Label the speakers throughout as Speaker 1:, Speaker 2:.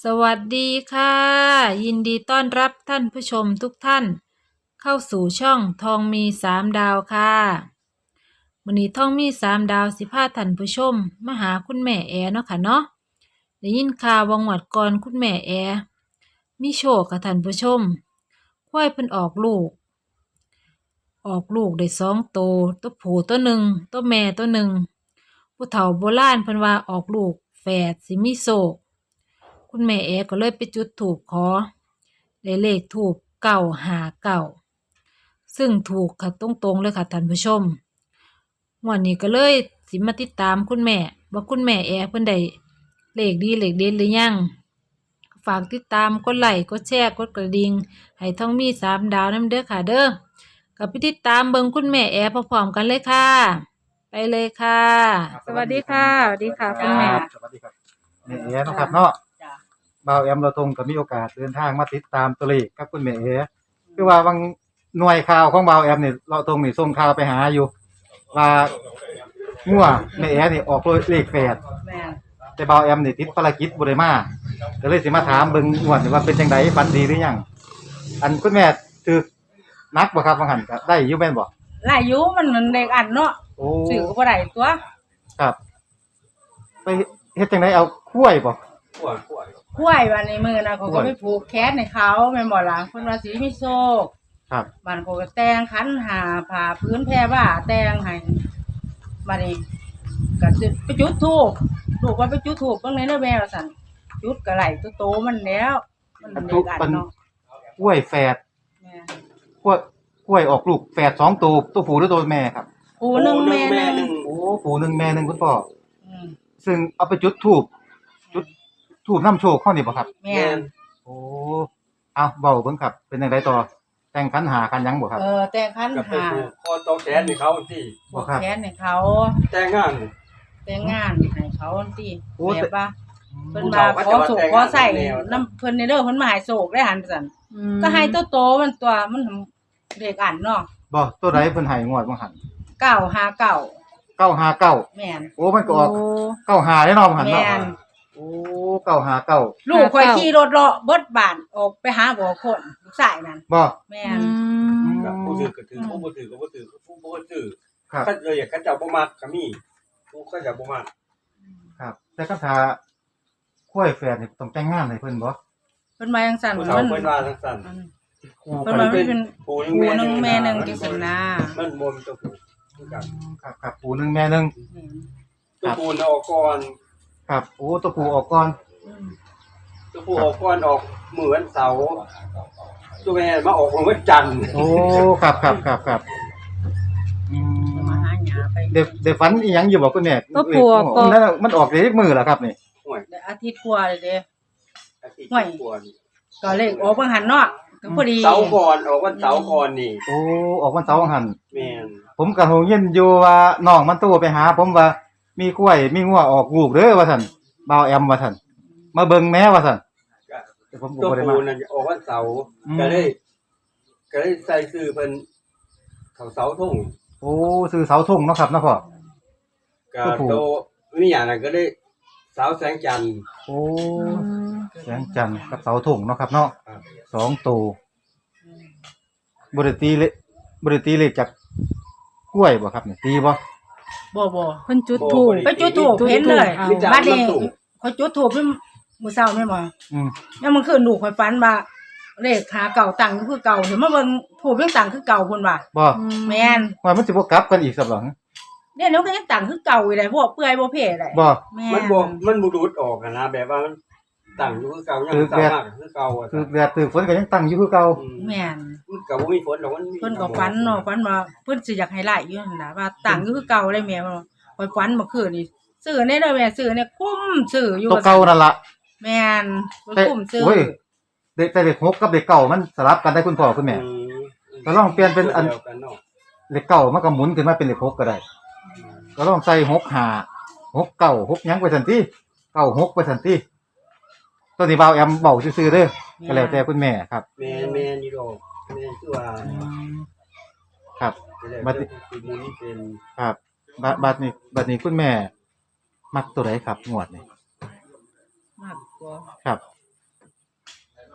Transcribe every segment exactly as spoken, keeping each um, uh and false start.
Speaker 1: สวัสดีค่ะ ยินดีต้อนรับท่านผู้ชมทุกท่าน เข้าสู่ช่องทองมีสามดาวค่ะวันนี้ทองมีสามดาวสิพาท่านผู้ชมมาหาคุณแม่แอเนาะค่ะเนาะได้ยินข่าววังหวัดก่อนคุณแม่แอมีโชคกับท่านผู้ชมควายเพิ่นออกลูก ออกลูกได้สองตัวตัวผู้ตัวหนึ่งตัวแม่ตัวหนึ่งผู้เฒ่าโบราณเพิ่นว่าออกลูกแฝดสิมีโชคคุณแม่เอก็เลยไปจุดธูปขอได้เลขธูปเก้าห้าเก้าซึ่งถูกค่ะตรงๆเลยค่ะท่านผู้ชมวันนี้ก็เลยสิมาติดตามคุณแม่ว่าคุณแม่แอเพิ่นได้เลขดีเลขเด็ดหรือยังฝากติดตามกดไลค์กดแชร์กดกระดิ่งให้ท่องมีสามดาวนำเด้อค่ะเด้อกับไปติดตามเบิ่งคุณแม่แอพร้อมๆกันเลยค่ะไปเลยค่ะสวัสดีค่ะสวัสดีค่ะคุณแม่
Speaker 2: สวัสดีครับแม่เอ๋นะครับเนาะบ่าวแอมเราตรงก็มีโอกาสเดินทางมาติดตามตัวเลขกับคุณแม่เอ๋คือว่าบางหน่วยข่าวของบ่าวแอมนี่เราตรงนี่ส่งข่าวไปหาอยู่ว่างัวแม่เอ๋นี่ออกเลขแฝดแต่บ่าวแอมนี่ติดภารกิจบ่ได้มาก็เลยสิมาถามเบิ่งงวดนี่ว่าเป็นจังไดฝันดีหรือยังอันคุณแม่ถูกนักบ่ครับว่าหั่นก็ได้อยู่แม่นบ่
Speaker 3: หลายอยู่มันมันเด็กอันเนาะ
Speaker 2: โอ้
Speaker 3: ซื้อก็บ่ได้ตัว
Speaker 2: ครับไปเฮ็ดจังไดเอาคุ้ยบ่
Speaker 3: กล้วยวันในมือนะเขาก็ไปผูกแขนให้เขาแม่นบ่ล่ะเพิ่นว่าสิมีโชค
Speaker 2: ครับ
Speaker 3: บ้านเขาก็แต่งขันหาผ้าพื้นแพรว่าแต่งให้บัดนี้ก็จุดไปจุดธูปลูกว่าไปจุดธูปเบิ่งในเด้อแม่ว่าซั่นจุดก็ไหลตัวโตมันแล้วมันเด็กอันเนาะ
Speaker 2: กล้วยแฝด
Speaker 3: แม่
Speaker 2: กล้วยกล้วยออกลูกแฝดสองตัวตัวผู้หรือตัวแม่ครับ
Speaker 3: ผู้หนึงแม่หนึง
Speaker 2: โอ้ผู้หนึ่งแม่หนึ่งคุณพ่อ
Speaker 3: อืม
Speaker 2: ซึ่งเอาไปจุดธูปจุดธูปน้ำโชคเข้านี่บ่ครับ
Speaker 3: แม่น
Speaker 2: โอ้เอาเบาเบิ่งครับเป็นจังไดต่อแต่งขันหากันยังบ่ครับ
Speaker 3: เออแต่งขัน
Speaker 4: กับไป
Speaker 3: หา
Speaker 4: ผูกคอตอแขนให้เขาที่
Speaker 3: ผูกแขนให้เขา
Speaker 4: แต่งงาน
Speaker 3: แต่งงานให้เขาติ
Speaker 2: โอ้
Speaker 3: แบบว่า
Speaker 2: อื
Speaker 3: เพิ่
Speaker 2: ม
Speaker 3: นมาขอโศกขอใส่น้ำเพิ่นในเด้อเพิ่นมาให้โศกได้หันซั่นก็ให้ตัวโตมันตัวมันเด็กอันเนาะ
Speaker 2: บ่ตัวใดเพิ่นให้งวดบ่หัน
Speaker 3: เก้าห้าเก้า
Speaker 2: เก้าห้าเก้า
Speaker 3: แม่น
Speaker 2: โอ้มันก็ออกเก้าห้าได้เนาะบ่หันเนาะ
Speaker 3: แม่น
Speaker 2: โอ้เก้าห้าเก้า
Speaker 3: ลูกข่อยขี่รถเลาะเบิดบ้านออกไปหาบ่อคนลูกชายนั่น
Speaker 2: บ่
Speaker 3: แม่
Speaker 1: อื
Speaker 3: น
Speaker 1: ม
Speaker 4: กับผู้ถือก็ถือผู้บ่ถือก็บ่ถือผู้บ่ถือ
Speaker 2: ครับ
Speaker 4: ถ้าเลยอยากเขาเจ้าบ่มักก็มีผู้เขาเจ้าบ่มัก
Speaker 2: ครับ แต่คำถามกล้วยแฝดนี่ต้องแต่งงานให้เพิ่นบ่
Speaker 3: เพิ่นมาจังซั่น
Speaker 4: ผู้
Speaker 3: มัน
Speaker 4: เฒ่าเพิ่นว่าจังซั่น
Speaker 2: คู่
Speaker 3: เพิ่
Speaker 2: กัน น
Speaker 3: ว่ามันเป็น
Speaker 4: ผู้หนึง
Speaker 3: ผู้
Speaker 4: แม่
Speaker 3: หนึงแม่หนึง
Speaker 4: มั
Speaker 3: จังซี่นะ
Speaker 4: มันบ่มีตัวผู้คือกัน
Speaker 2: ครับครับผู้หนึ่งแม่หนึ่ง
Speaker 3: แม่น
Speaker 4: ตัวผู้น่ะออกก่อน
Speaker 2: ครับโอ้ตัวผู้ออกก่อน
Speaker 3: อืม
Speaker 4: ตัวผู้ออกก่อนออกมื้อวันเสาร์ตัวแม่มาออกวันจันทร์
Speaker 2: โอ้ครับครับครับครับอื
Speaker 3: จะ
Speaker 2: ม
Speaker 3: มาหาหยาไป
Speaker 2: เดี๋ยวเดี๋ยวฝันอีหยังอยู่บ่คุณแม่
Speaker 1: ตัวผู้ออกก่อน
Speaker 2: นั่นน่ะมันออกได้มือแล้วครับนี่
Speaker 4: ห่วย
Speaker 3: ได้อาทิตย์กว่าเลยเด้
Speaker 4: อาทิตย์
Speaker 3: ห่วย
Speaker 4: กว่านี่
Speaker 3: ก็เลขออกเบิ่งหันเนาะก็พอดี
Speaker 4: เสาร์ก่อนออกวันเสาร์ก่อนนี่
Speaker 2: โอ้ออกวันเสาร์หัน
Speaker 4: แม่น
Speaker 2: ผมก็ฮู้ยินอยู่ว่าน้องมันโตไปหา ผมว่ามีกล้วยมีงัวออกลูกเด้อว่าซั่นบ่าวแอมว่าซั่นมาเบิ่งแหน่ว่าซั่นแต่ผมก็
Speaker 4: ตัว
Speaker 2: บ่ได้มา
Speaker 4: ผู้นั่นออกวันเสาร์
Speaker 2: อืม
Speaker 4: ก็เลยก็เลยใส่ชื่อเพิ่นเขาเสาทุ่ง
Speaker 2: โอ้ซื้อเสาธงเนาะครับเนาะพ่อ
Speaker 4: ก็
Speaker 2: ตัวผู้
Speaker 4: โตมีหยังนั้นก็เลยเสาแสงจันทร์
Speaker 2: โอ้แสงจันทร์กับเสาธงเนาะครับเนาะ
Speaker 4: ครับ
Speaker 2: สองตัวบ่ได้ตีเลบ่ได้ตีเลขจากกล้วยบ่ครับนี่ตีบ่
Speaker 3: บ่บ่
Speaker 1: เพิ่นจุดธูป
Speaker 3: ไปจุดธูปเห็นเลย
Speaker 1: เอา
Speaker 4: มีแต่
Speaker 3: บัดนี้
Speaker 4: มันสูง
Speaker 3: ข่อยจุดธูปเพิ่นมื้อเช้าแม่นบ่
Speaker 2: อืม
Speaker 3: ยังมันคืนลูกข่อยฝันว่าเลขหาเก่าตั้งอยู่คือเก่าเห็นมาเบิ่งธูปยังตั้งคือเก่าพุ่นว่า
Speaker 2: บ่
Speaker 3: แม่น
Speaker 2: ว่ามันสิบ่กลับกันอีกสับหลัง
Speaker 3: เนี่ยเดี๋ยวก็ยังตั้งคือเก่าอยู่เลยพวกเปื่อยบ่เพ่ได้
Speaker 2: บ่
Speaker 3: แม่
Speaker 4: มันบ่มันบ่ดูดออกอะนะแบบว่ามันตั้งอยู่คือเก่ายัง
Speaker 2: คือ
Speaker 4: สา
Speaker 2: แบบ
Speaker 4: มารถคือเก่าอะ
Speaker 2: คือแดดคือฝนก็ยังตั้งอยู่คือเก่า
Speaker 4: อืม
Speaker 3: แม่น
Speaker 4: มันก็บ่มีฝนหรอกมันมี
Speaker 3: เพิ่นก็ฝันเนาะฝันว่าเพิ่นสิอยากให้ไล่อยู่นั่นน่ะว่าตั้งอยู่คือเก่าเลยแม่ว่าข่อยฝันเมื่อคืนนี่ซื้อในเด้อแม่ซื้อเนี่ยคุ้มซื้ออยู่
Speaker 2: ตัวเก่านั่นล่ะ
Speaker 3: แม่นข่อย
Speaker 2: แต่
Speaker 3: คุ้มซื้อ
Speaker 2: โอ้ยเด็กแต่เด็กหกกับเด็กเก่ามันสลับกันได้คุณพ่อคุณแม่
Speaker 4: อืม
Speaker 2: ก็ลองเปลี่ยนเป็นอัน
Speaker 4: ดียวกัเนาะ
Speaker 2: เด็กเก่ามันก็หมุนขึ้นมาเป็นเด็กหกก็ได้ ก็ลองใส่หกห้าหกเก้าหกหยังไปซั่นติเก้าหกไปซั่นติตัวนี้บ่าวแอมเว้าซื่อๆเด้อก็แล้วแต่คุณแม่ครับ
Speaker 4: แม่นแม่นอยู่ดอกแม่นคือว่า
Speaker 2: ครับ
Speaker 4: แล้ว
Speaker 2: บัดนี้
Speaker 4: คือมูลนี่เป็น
Speaker 2: ครับบัดบัดนี้บัดนี้คุณแม่ มักตัวใดครับงวดนี้
Speaker 3: มากกว่า
Speaker 2: ครับ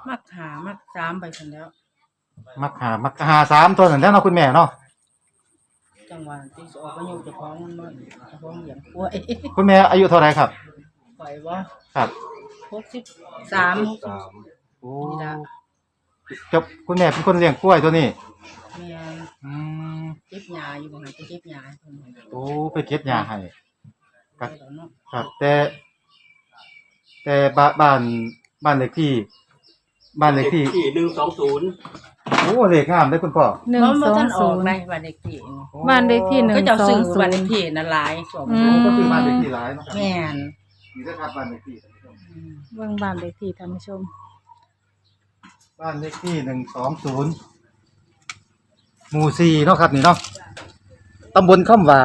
Speaker 3: มักหามักสามไปซั่นแล้ว
Speaker 2: มักหามักหาสามตัวนั่นแหล้วเนาะคุณแม่เนาะ
Speaker 3: จังหวะที่สิออกอายุเจ้าของมันบ่เจ้าของเลี้ยงป่วย
Speaker 2: คุณแม่อายุเท่าไหร่ครับ
Speaker 3: ปล่อยบ่
Speaker 2: ครับ
Speaker 3: หกสิบสาม
Speaker 4: สาม
Speaker 2: โอ้
Speaker 3: นี่ล่ะ
Speaker 2: จบคุณแม่เป็นคนเลี้ยงกล้วยตัวนี้
Speaker 3: แม่น
Speaker 2: อืม
Speaker 3: เก็บยาอยู่บ่ให้ไปเก็บยาให้เพิ่น
Speaker 2: โอ้ไปเก็บยาให้
Speaker 3: ไปแล้วเนาะ
Speaker 2: ครับ แต่ แต่บ้านบ้านบ้านเลขที่ บ้านเลขที่
Speaker 4: ที่หนึ่งสองศูนย์
Speaker 2: โอ้เลขงามเด้อคุณพ่อ
Speaker 1: หนึ่ง
Speaker 3: บ่
Speaker 1: ส
Speaker 3: บ่
Speaker 1: อง
Speaker 3: ทันอ
Speaker 1: ศู
Speaker 3: อก
Speaker 1: นย์
Speaker 3: ในบ้านเลขที่นี่
Speaker 1: บ้านเลขที่หนึ่ง
Speaker 3: ก็เจ้า
Speaker 1: สอ
Speaker 3: ซื้
Speaker 1: ง
Speaker 3: อ
Speaker 1: ศู
Speaker 3: บ้าน
Speaker 1: น
Speaker 3: เล
Speaker 1: ย์
Speaker 3: ขที่นั่นหลายสอง
Speaker 1: อืม
Speaker 2: โอ้ก็คือบ้านเลขที่หลายเนาะครับ
Speaker 3: แม่น
Speaker 2: นี่เด้อครับบ้านเลขที่
Speaker 3: อืม
Speaker 1: เบิ่งบ้านเลขที่ท่านผู้ชม
Speaker 2: บ้านเลขที่หนึ่งสองศูนย์หมู่สี่เนาะครับนี่เนาะตำบลคำว่า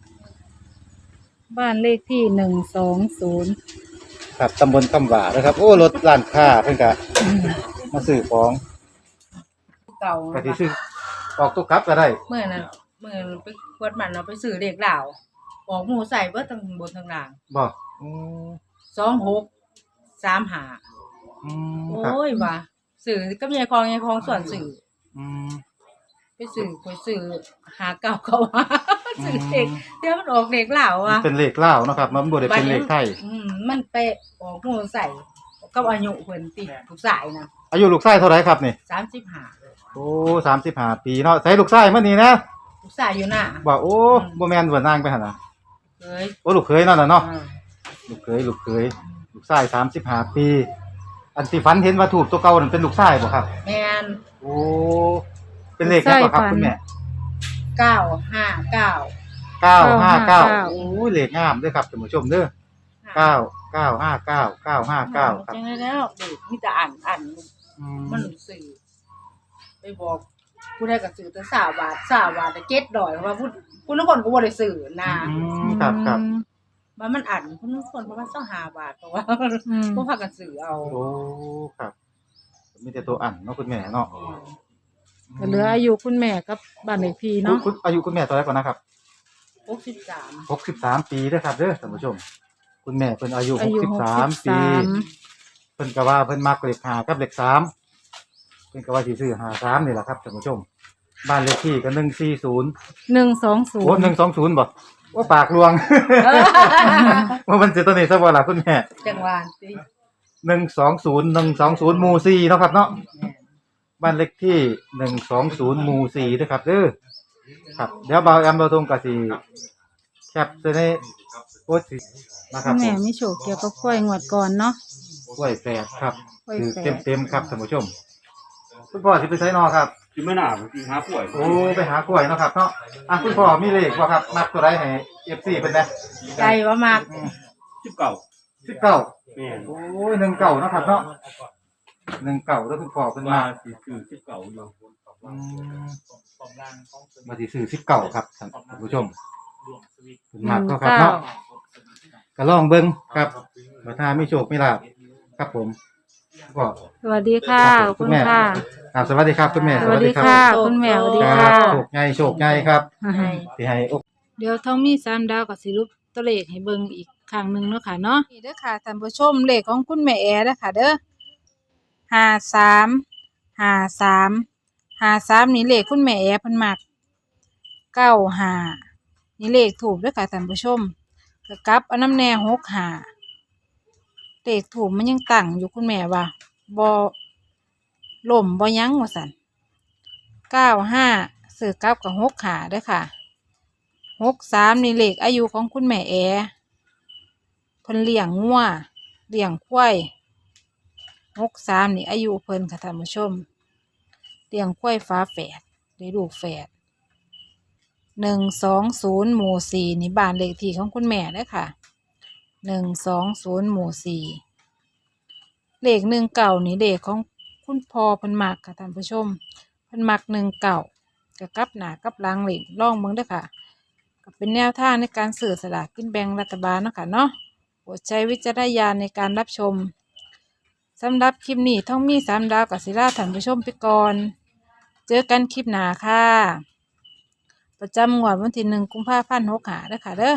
Speaker 1: บ้านเลขที่หนึ่งสองศูนย์
Speaker 2: ครับตำบลคำว่านะครับ โอ้รถร้านค้าเพิ่นก็มาซื้อของ
Speaker 3: เก่า
Speaker 2: ก็สิซื้อออกตุกกลับก็ได้
Speaker 3: เมื่อนั้นเมื่อไปกวดมันเราไปซื้อเลขลาวออกหมู่ใส่เบิดทั้งบนทั้งล่าง
Speaker 2: บ่อืม
Speaker 3: สองหกสามห้า
Speaker 2: อืม
Speaker 3: โอ
Speaker 2: ครับ
Speaker 3: ้ยว่ะสื่อก็มีคลองไงคลองส่วนสื่อ
Speaker 2: อืม
Speaker 3: ไปสื่อไปสื่อหาเก่าเขาว่าสื่อเด็กเดี๋ยวมันออกเด็กเหล่า
Speaker 2: มัน
Speaker 3: ว่ะ
Speaker 2: เป็นเลขลาวเนาะครับมันบ่ได้เป็นเลขไทย
Speaker 3: อืมมันเปะออกหมูใส่กับอายุเพิ่นติลูกสายนะ
Speaker 2: อายุลูกชายเท่าไหร่ครับนี่
Speaker 3: สามสิบห้า
Speaker 2: โอ้สามสิบห้าปีเนาะใส่ลูกชายมานี่นะ
Speaker 3: ลูกสายอยู่น่ะ
Speaker 2: ว่าโอ้บ่แม่นว่านางไปหั่นน่ะ
Speaker 3: เอ้ย
Speaker 2: โอ้ลูกเขยนั่นน่ะเนาะ
Speaker 3: อ่า
Speaker 2: ลูกเขยลูกเขยลูกชายสามสิบห้าปี อันที่ฝันเห็นว่าถูกตัวเก่านั่นเป็นลูกชายบ่ครับ
Speaker 3: แม่น
Speaker 2: โอ้เป็นเลขแล้วบ่ครับคุณแม่
Speaker 3: เก้าห้าเก้า
Speaker 2: เก้าห้าเก้าโอ้ยเลขงามเด้อครับท่านผู้ชมเด้อเก้าเก้าห้าเก้าเก้าห้าเก้าครับ
Speaker 3: จังได๋แล้วเด็กมีแต่อ่านอ่าน
Speaker 2: อื
Speaker 3: มันสื่อไปบอกผู้ใดก็สื่อแต่สามบาทสามบาทแต่เจ็ดดอยว่าผู้ผู้นักคนก็บ่ได้สื่อนะ
Speaker 2: อืมครับครับ
Speaker 3: ว่ามันอ่านผู้นักคนประมาณสักห้าบาทเพราะว่า
Speaker 1: อืม
Speaker 3: พวกพากันสื่อเอา
Speaker 2: โอ้ครับมีแต่ตัวอันเนาะคุณแม่เนาะ
Speaker 1: ก็เหลืออายุคุณแม่กับบ้านเลขที่เนาะ
Speaker 2: คุณอายุคุณแม่เท่าไหร่ก่อนนะครับ
Speaker 3: หกสิบสาม
Speaker 2: หกสิบสามปีเด้อครับเด้อท่านผู้ชม คุณแม่เพิ่นอายุห
Speaker 1: อาก ยุ
Speaker 2: สิบ
Speaker 1: หก
Speaker 2: สา
Speaker 1: สิ
Speaker 2: ม
Speaker 1: บ
Speaker 2: ปี
Speaker 1: สาม
Speaker 2: เพิ่นก็ว่าเพิ่นมักเลขห้ากับเลขสามเพิ่นก็ว่าสิซื้อห้าสามนี่แหละครับท่านผู้ชม บ้านเลขที่ก็หนึ่งสี่ศูนย์
Speaker 1: หนึ่งสองศู
Speaker 2: โอ้
Speaker 1: นย์
Speaker 2: หนึ่งสองศูนย์บ่ว่าปากลวง ว่ามันสิตัวนี้ซะบ่ล่ะคุณแม่
Speaker 3: จังหวานสิ
Speaker 2: หนึ่งสองศูนย์หนึ่งสองศูนย์หมู่สี่เนาะครับเนาะบ้านเลขที่หนึ่งสองศูนย์หมู่สี่เด้อครับเด้อครับเดี๋ยวบ่าวแอมเราตรงก็สิแคปใส่ในโพสต์สินะค
Speaker 1: คุ
Speaker 2: รับ
Speaker 1: ณ
Speaker 2: ผ
Speaker 1: แม่
Speaker 2: ม
Speaker 1: มีโชคเกี่ยวกับกล้วยงวดก่อนเนาะ
Speaker 2: กล้วยแฝดครับ
Speaker 1: กล้วย
Speaker 2: คือ
Speaker 1: แฝด
Speaker 2: เต็มๆครับท่านผู้ชมคุณพ่อสิไปใช้นอครับ
Speaker 4: ที่ไม่น่าที่หาป่วย
Speaker 2: โอ้ไปหากล้วยเนาะครับเนาะอ่ะคุณพ่อมีเลขบ่ครับนับตัวใดให้ เอฟ ซี เพิ่นนะ
Speaker 3: ใจว่ามาก
Speaker 4: สิบเก้า
Speaker 2: สิบเก้า
Speaker 4: แม่น
Speaker 2: โอ้ยหนึ่งเก้าเนาะครับเนาะหนึ่งเก้าแล้วคุณพ่อเพิ่น
Speaker 4: ว่า
Speaker 2: มา
Speaker 4: สิคือสิบเก้าอยู่
Speaker 2: อืมมาสิซื้อสิบเก้าครับท่านผู้ชมเพิ่น
Speaker 1: ห
Speaker 2: มัก
Speaker 1: นึ่ง
Speaker 2: เนาะครับ
Speaker 1: เก้า
Speaker 2: เนาะก็ลองเบิ่งครับว่าถ้ามีโชคมีลาภครับผมก็
Speaker 1: สวัสดีค่ะขอบคุณค่ะ
Speaker 2: ครับสวัสดีครับคุณแม่
Speaker 1: สวัสดีค่ะ คุณแม่สวัสดี
Speaker 2: ค
Speaker 1: ค่ะ
Speaker 2: รับโชคใหญ่โชคใหญ่ครับ
Speaker 3: ให้
Speaker 2: ที่ให้โอก
Speaker 1: เดี๋ยวท้องมีสามดาวกับสิรุปตัวเลขให้เบิ่งอีกครั้งหนึ่งเนาะค่ะเนาะนี่เด้อค่ะท่านผู้ชมเลขของคุณแม่แอเด้อค่ะ เด้อห้าสามห้าสามห้าสามนี่เลขคุณแม่แอเพิ่นมักเก้าห้านี่เลขถูกเด้อค่ะท่านผู้ชมก็กลับเอาน้ำแน่หกห้าเลขถูกมันยังตั้งอยู่คุณแม่ว่าบ่ล่มบ่ยั้งว่าซั่นเก้าห้าซื้อกลับกับหกห้าเด้อค่ะ หกสามนี่เลขอายุของคุณแม่แอเพิ่นเลี้ยงงัวเลี้ยงควายหกสามนี่อายุเพิ่นค่ะท่านผู้ชมเลี้ยงควายฟ้าแฝดได้ลูกแฝดหนึ่งสองศูนย์หมู่สี่นี่บ้านเลขที่ของคุณแม่เด้อค่ะหนึ่งสองศูนย์หมู่สี่เลขหนึ่งเก่านี่เลขของคุณพ่อเพิ่นมักค่ะท่านผู้ชมเพิ่นมักหนึ่งเก่ากับกลับหน้ากับหลังเหล็กล่องเบิ่งเด้อค่ะ ก็เป็นแนวทางในการสื่อสลากกินแบ่งรัฐบาลเนาะค่ะเนาะโปรดใช้วิจารณญาณในการรับชมสำหรับคลิปนี้ท่องมีสามดาวกับศิลาท่านผู้ชมไปก่อน เจอกันคลิปหน้าค่ะ ประจำงวดวันที่หนึ่งกุมภาพันธ์หกหาเด้อค่ะเด้อ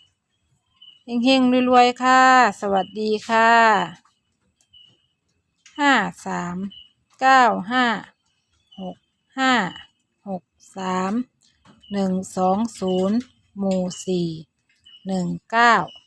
Speaker 1: เฮงๆรวยๆค่ะ สวัสดีค่ะห้าสามเก้าห้าหกห้าหกสามหนึ่งสองศูนย์หมู่สี่หนึ่งเก้า